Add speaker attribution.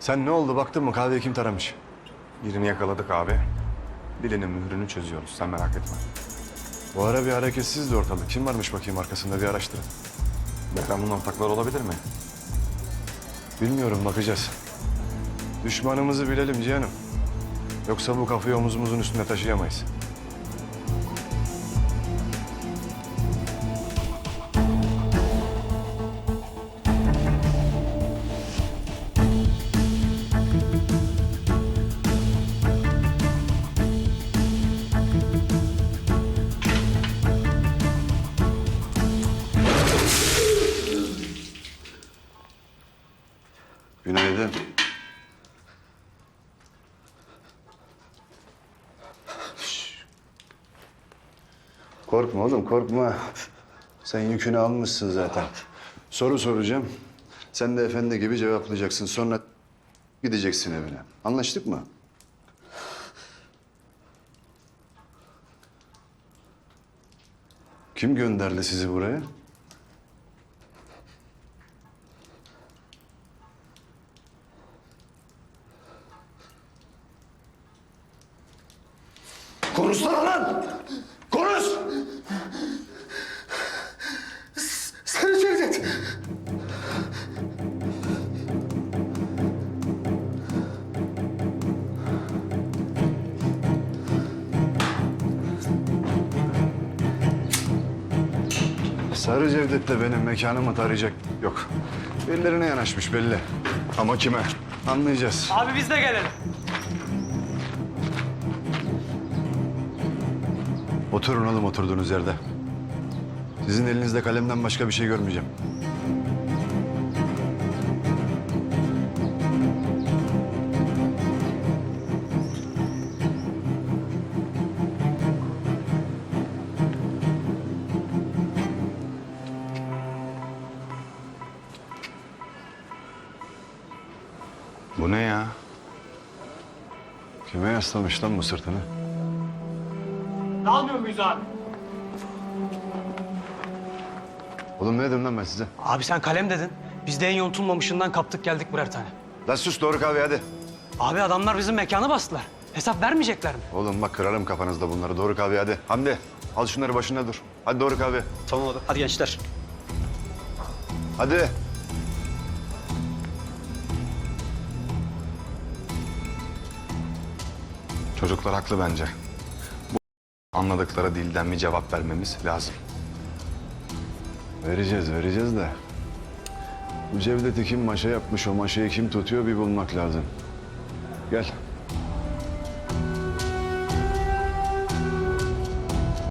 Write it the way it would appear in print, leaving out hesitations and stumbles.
Speaker 1: Sen ne oldu baktın mı kahveyi kim taramış?
Speaker 2: Birini yakaladık abi. Dilinin mührünü çözüyoruz. Sen merak etme.
Speaker 1: Bu ara bir hareketsizdi ortalık. Kim varmış bakayım arkasında bir araştırın.
Speaker 2: Behram'ın ortakları olabilir mi?
Speaker 1: Bilmiyorum bakacağız. Düşmanımızı bilelim Cihan'ım. Yoksa bu kafayı omuzumuzun üstüne taşıyamayız. Günaydın. Korkma oğlum, korkma. Sen yükünü almışsın zaten. Soru soracağım. Sen de efendi gibi cevaplayacaksın. Sonra gideceksin evine. Anlaştık mı? Kim gönderdi sizi buraya? Konuşsana lan! Konuş!
Speaker 3: Sarı Cevdet.
Speaker 1: Sarı Cevdet de benim mekanımı tarayacak. Yok. Birilerine yanaşmış belli. Ama kime? Anlayacağız.
Speaker 4: Abi biz de gelelim.
Speaker 1: Oturun oğlum oturduğunuz yerde. Sizin elinizde kalemden başka bir şey görmeyeceğim.
Speaker 2: Bu ne ya?
Speaker 1: Kime yaslamış lan bu sırtını?
Speaker 4: Dalmıyor muyuz abi?
Speaker 1: Oğlum ne dedim lan ben size?
Speaker 4: Abi sen kalem dedin. Biz de en yontulmamışından kaptık geldik birer tane.
Speaker 1: Lan sus doğru kahve hadi.
Speaker 4: Abi adamlar bizim mekanı bastılar. Hesap vermeyecekler mi?
Speaker 1: Oğlum bak kırarım kafanızda bunları. Doğru kahve hadi. Hamdi al şunları başına dur. Hadi doğru kahve.
Speaker 4: Tamam abi. Hadi gençler.
Speaker 1: Hadi.
Speaker 2: Çocuklar haklı bence. Bu anladıkları dilden bir cevap vermemiz lazım.
Speaker 1: Vereceğiz de. Bu Cevdet'i kim maşa yapmış, o maşayı kim tutuyor bir bulmak lazım. Gel.